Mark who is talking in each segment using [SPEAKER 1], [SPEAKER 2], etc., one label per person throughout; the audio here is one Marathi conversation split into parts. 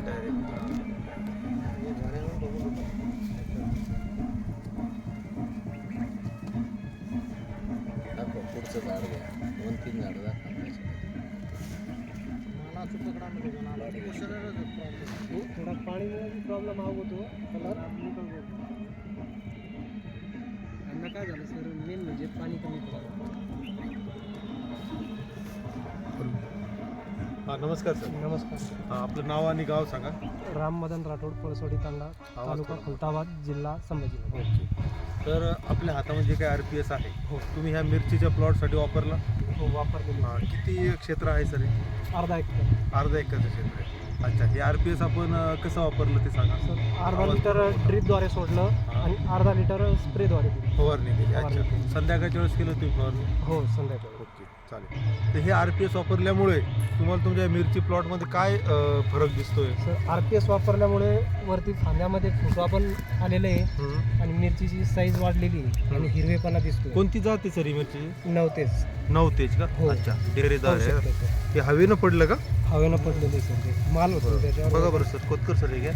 [SPEAKER 1] दाखव पुढचं झाड घ्या, 2-3 झाडं दाखवा.
[SPEAKER 2] थोडा पाणी प्रॉब्लेम होतो कलर यांना काय झालं सर, मेन म्हणजे पाणी कमी पडलं.
[SPEAKER 3] हां नमस्कार सर.
[SPEAKER 2] नमस्कार.
[SPEAKER 3] हां आपलं नाव आणि गाव सांगा.
[SPEAKER 2] राम मदन राठोड, पळसोडी तांडा, तालुका खुलताबाद, जिल्हा संभाजीनगर.
[SPEAKER 3] ओके. तर आपल्या हातामध्ये जे काही RPS आहे
[SPEAKER 2] हो.
[SPEAKER 3] तुम्ही ह्या मिरचीच्या प्लॉटसाठी वापरला.
[SPEAKER 2] हो वापरलेली.
[SPEAKER 3] हां किती क्षेत्र आहे सर हे?
[SPEAKER 2] अर्धा एकर.
[SPEAKER 3] अर्धा एकरचं क्षेत्र आहे. अच्छा हे RPS आपण कसं वापरलं ते सांगा.
[SPEAKER 2] सर अर्धा लिटर ड्रीपद्वारे सोडलं आणि अर्धा लिटर स्प्रेद्वारे दिली.
[SPEAKER 3] फवारणी केली.
[SPEAKER 2] फवारणी
[SPEAKER 3] अच्छा
[SPEAKER 2] केली.
[SPEAKER 3] संध्याकाळच्या वेळेस केलं तुम्ही फवारणी.
[SPEAKER 2] हो संध्याकाळी.
[SPEAKER 3] ओके चालेल. तर हे RPS वापरल्यामुळे तुम्हाला तुमच्या मिरची प्लॉटमध्ये काय फरक दिसतोय?
[SPEAKER 2] सर RPS वापरल्यामुळे वरती फांद्यामध्ये फुटवा पण आलेले आहे आणि मिरचीची साईज वाढलेली आहे आणि हिरवेपणा दिसतोय.
[SPEAKER 3] कोणती जात आहे सर ही मिरची?
[SPEAKER 2] नवतेच.
[SPEAKER 3] 9 तेज का?
[SPEAKER 2] हो.
[SPEAKER 3] अच्छा डेरेदार
[SPEAKER 2] पाहू
[SPEAKER 3] आहे.
[SPEAKER 2] शकता सर.
[SPEAKER 3] हे हवेनं पडलं का?
[SPEAKER 2] हवेनं पडलेले सर ते माल होतो त्याच्यावर.
[SPEAKER 3] बघा बरं सर कोतकर सर हे घ्या.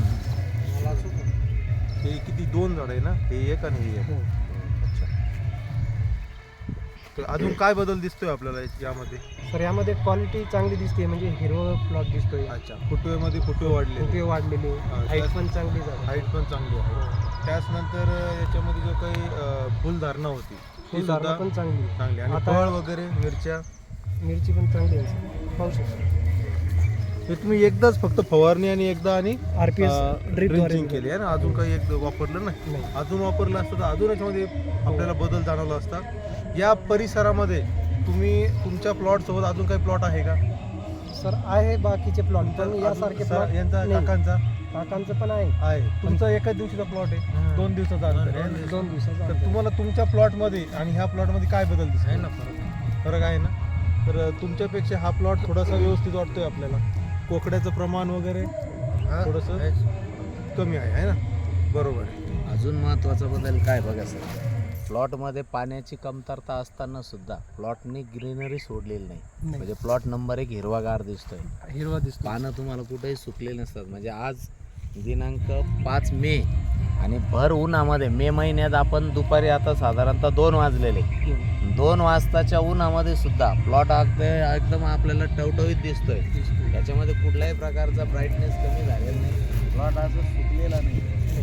[SPEAKER 3] हे किती 2 झाड आहे ना, हे एक आणि हे एक.
[SPEAKER 2] हो.
[SPEAKER 3] अच्छा. तर अजून काय बदल दिसतोय आपल्याला यामध्ये?
[SPEAKER 2] सर यामध्ये क्वालिटी चांगली दिसते, म्हणजे हिरवं प्लॉट दिसतोय.
[SPEAKER 3] अच्छा फुटवेमध्ये फुटवे वाढले,
[SPEAKER 2] फुटवे वाढलेले,
[SPEAKER 3] हा,
[SPEAKER 2] हाईट
[SPEAKER 3] त्याच-
[SPEAKER 2] पण चांगली झाली.
[SPEAKER 3] हाईट पण चांगली आहे. त्याचनंतर याच्यामध्ये जो काही फुलधारणा होती ती
[SPEAKER 2] फुलधारणा
[SPEAKER 3] सुद्धा
[SPEAKER 2] पण चांगली आहे.
[SPEAKER 3] चांगली आणि
[SPEAKER 2] आता-
[SPEAKER 3] फळ वगैरे मिरच्या
[SPEAKER 2] मिरची पण चांगली आहे सर. पाहू शकता.
[SPEAKER 3] हे तुम्ही एकदाच फक्त फवारणी आणि एकदा आणि
[SPEAKER 2] RPS
[SPEAKER 3] ड्रिंचिंग केली आहे ना, अजून काही एक वापरलं नाही.
[SPEAKER 2] नाही.
[SPEAKER 3] अजून वापरलं असतं तर अजून याच्यामध्ये आपल्याला बदल जाणवला असता. या परिसरामध्ये तुम्ही तुमच्या प्लॉट सोबत अजून काही प्लॉट आहे का
[SPEAKER 2] सर आहे बाकीचे प्लॉट पण यासारखे
[SPEAKER 3] अजून
[SPEAKER 2] प्लॉट
[SPEAKER 3] यांचा काकांचा
[SPEAKER 2] काकांचं पण आहे.
[SPEAKER 3] आहे. तुमचा एकाच दिवशीचा प्लॉट आहे,
[SPEAKER 2] हा.
[SPEAKER 3] 2 दिवसाचा अंतर आहे.
[SPEAKER 2] 2 दिवसाचा
[SPEAKER 3] तर तुम्हाला तुमच्या प्लॉटमध्ये आणि ह्या प्लॉटमध्ये काय बदल दिसतो?
[SPEAKER 2] आहे ना फरक.
[SPEAKER 3] फरक आहे ना. तर तुमच्यापेक्षा हा प्लॉट थोडासा व्यवस्थित वाटतोय आपल्याला. कोकड्याचं प्रमाण वगैरे थोडंसं कमी आहे ना. बरोबर आहे.
[SPEAKER 1] अजून महत्त्वाचा बदल काय बघा सर, प्लॉटमध्ये पाण्याची कमतरता असताना सुद्धा प्लॉटनी ग्रीनरी सोडलेली नाही.
[SPEAKER 2] नाही.
[SPEAKER 1] म्हणजे प्लॉट नंबर 1 हिरवागार दिसतोय.
[SPEAKER 2] हिरवा दिसतो.
[SPEAKER 1] पानं तुम्हाला कुठेही सुकलेली नसतात. म्हणजे आज दिनांक 5 मे आणि भर उन्हामध्ये मे महिन्यात आपण दुपारी आता साधारणतः 2 वाजलेले, 2 वाजताच्या उन्हामध्ये सुद्धा प्लॉट एकदम आपल्याला टवटवीत दिसतोय. त्याच्यामध्ये कुठल्याही प्रकारचा ब्राईटनेस कमी झालेला नाही. प्लॉट असं सुकलेला नाही.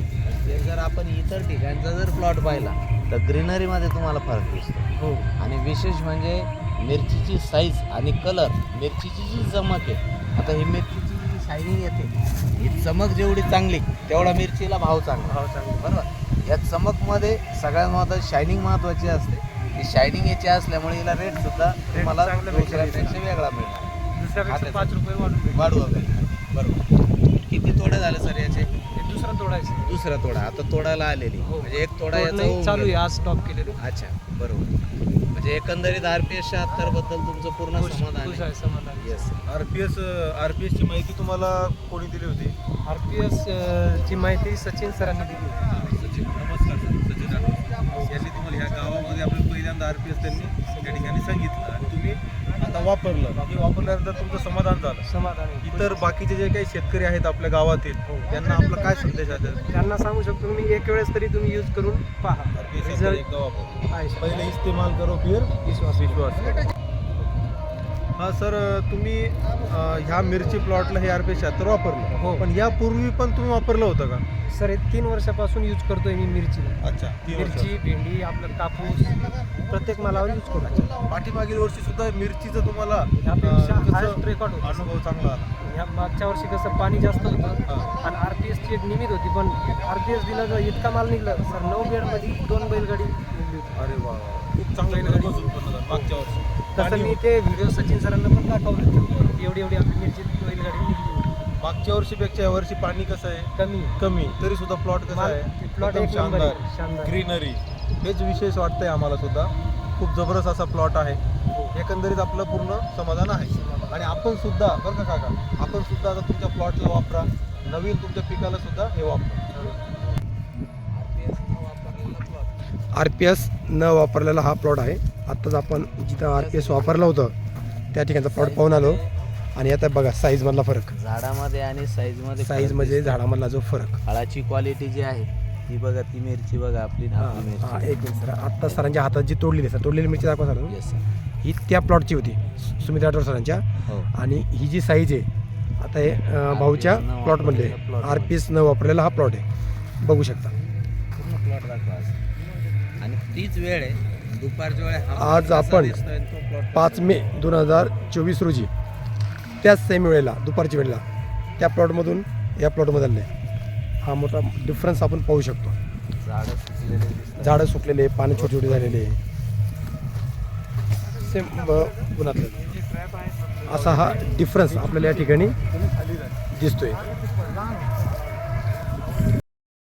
[SPEAKER 1] ते जर आपण इतर ठिकाणचा जर प्लॉट पाहिला तर ग्रीनरीमध्ये तुम्हाला फरक दिसतो.
[SPEAKER 2] हो.
[SPEAKER 1] आणि विशेष म्हणजे मिरचीची साईज आणि कलर, मिरचीची जी चमक आहे, आता ही मिरचीची जी शायनिंग येते, ही चमक जेवढी चांगली तेवढा मिरचीला भाव चांगला. बरोबर. या चमकमध्ये सगळ्यात महत्त्वाची शायनिंग महत्त्वाची असते. ही शायनिंग याची असल्यामुळे हिला रेट सुद्धा तुम्हाला दुसऱ्यापेक्षा वेगळा मिळणार.
[SPEAKER 2] दुसऱ्यापेक्षा 5 रुपये
[SPEAKER 1] वाढू वगैरे. बरोबर. किती तोडे झाले सर याचे?
[SPEAKER 2] दुसरा तोडायचं.
[SPEAKER 1] दुसरा तोडा आता तोडायला आलेली.
[SPEAKER 2] हो.
[SPEAKER 1] म्हणजे एक तोडा याचा होऊन
[SPEAKER 2] चालू आहे,
[SPEAKER 1] गेला.
[SPEAKER 2] आज स्टॉप केलेलं.
[SPEAKER 1] अच्छा बरोबर. म्हणजे एकंदरीत RPS 76 बद्दल तुमचं पूर्ण समाधान
[SPEAKER 2] खुश
[SPEAKER 1] आहे.
[SPEAKER 2] आहे, समाधान.
[SPEAKER 1] येस.
[SPEAKER 3] RPS ची माहिती तुम्हाला कोणी दिली होती?
[SPEAKER 2] RPS ची माहिती सचिन सरांनी दिली.
[SPEAKER 3] सचिन. नमस्कार सर. सचिन राठोड. यांनी तुम्हाला ह्या गावामध्ये आपल्याला पहिल्यांदा RPS त्यांनी त्या ठिकाणी सांगितलं आणि तुम्ही आता वापरलं. हे वापरल्यानंतर तुमचं समाधान झालं.
[SPEAKER 2] समाधान आहे.
[SPEAKER 3] इतर बाकीचे जे काही शेतकरी आहेत आपल्या गावातील त्यांना आपला काय संदेश आहे?
[SPEAKER 2] त्यांना सांगू शकतो मी, एक वेळेस तरी तुम्ही यूज करून पहा.
[SPEAKER 3] RPS
[SPEAKER 2] रिझल्ट
[SPEAKER 3] एकदा वापर.
[SPEAKER 2] आहे.
[SPEAKER 3] पहिले इस्तेमाल करो फिर
[SPEAKER 2] विश्वास.
[SPEAKER 3] विश्वास. हां सर तुम्ही ह्या मिरची प्लॉटला हे RPS 76 वापरलं.
[SPEAKER 2] हो.
[SPEAKER 3] पण यापूर्वी पण तुम्ही वापरलं होतं का?
[SPEAKER 2] सर हे 3 वर्षापासून यूज करतोय मी मिरचीला.
[SPEAKER 3] अच्छा. 3 वर्ष.
[SPEAKER 2] मिरची, भेंडी, आपलं कापूस प्रत्येक मालावर यूज करतो.
[SPEAKER 3] पाठीमागील वर्षी सुद्धा मिरचीचं तुम्हाला
[SPEAKER 2] यापेक्षा
[SPEAKER 3] कसं
[SPEAKER 2] हायस्ट रेकॉर्ड होता.
[SPEAKER 3] अनुभव चांगला आला.
[SPEAKER 2] ह्या मागच्या वर्षी कसं पाणी जास्त होतं
[SPEAKER 3] हां.
[SPEAKER 2] आणि RPS ची एक निमित होती, पण RPS दिला तर इतका माल निघला सर. 9 बेडमध्ये 2 बैलगाडी निघली होती.
[SPEAKER 3] अरे वा, खूप चांगलं भरघोस उत्पन्न झालं मागच्या वर्षी.
[SPEAKER 2] तसं
[SPEAKER 3] आणि
[SPEAKER 2] मी ते व्हिडिओ सचिन सरांना पण दाखवलं. एवढी आपली मिरची बैलगाडी निघली होती.
[SPEAKER 3] मागच्या वर्षीपेक्षा या वर्षी पाणी कसं आहे?
[SPEAKER 2] कमी.
[SPEAKER 3] कमी. तरी सुद्धा प्लॉट कसं आहे?
[SPEAKER 2] प्लॉट
[SPEAKER 3] एकदम
[SPEAKER 2] एक नंबर आहे. शानदार.
[SPEAKER 3] ग्रीनरी. हेच विशेष वाटतंय आम्हाला सुद्धा. खूप जबरदस्त असा प्लॉट आहे. एकंदरीत आपलं पूर्ण समाधान आहे. आणि आपण सुद्धा बरं का काका, आपण सुद्धा आता तुमच्या प्लॉटला वापरा, नवीन तुमच्या पिकाला सुद्धा हे वापरा.
[SPEAKER 4] RPS न वापरलेला हा प्लॉट आहे. आत्ताच आपण जिथं RPS वापरलं होतं त्या ठिकाणचा प्लॉट पाहून आलो. आणि आता बघा साईजमधला फरक,
[SPEAKER 1] झाडामध्ये आणि साईजमध्ये
[SPEAKER 4] साईज म्हणजे झाडामधला जो फरक.
[SPEAKER 1] फळाची क्वालिटी जी आहे ती बघा, ती मिरची बघा आपली ना, आपली
[SPEAKER 4] हां
[SPEAKER 1] मिरची.
[SPEAKER 4] एक मिनिट सर, आत्ता सरांच्या हातात जी तोडलेली सर, तोडलेली मिरची दाखवा सर.
[SPEAKER 1] Yes, sir.
[SPEAKER 4] ही त्या प्लॉटची होती सुमित राठोड सरांच्या.
[SPEAKER 1] हो.
[SPEAKER 4] आणि ही जी साईज आहे आता हे भाऊच्या
[SPEAKER 1] RPS न
[SPEAKER 4] प्लॉटमधले
[SPEAKER 1] वापरलेला plot
[SPEAKER 4] RPS न वापरलेला हा प्लॉट आहे, बघू शकता.
[SPEAKER 1] पूर्ण प्लॉट दाखवा आज. आणि तीच वेळ आहे दुपारच्या वेळ
[SPEAKER 4] आज आपण 5 मे 2024 रोजी त्याच सेम वेळेला दुपारच्या वेळेला त्या प्लॉटमधून या प्लॉटमध्ये आले. हा मोठा डिफरन्स आपण पाहू शकतो.
[SPEAKER 1] झाडं सुकलेले दिसतात.
[SPEAKER 4] झाडं सुकलेले, पानं छोटे छोटे झालेले, सेम गुणातलं असा हा डिफरन्स आपल्याला या ठिकाणी दिसतोय.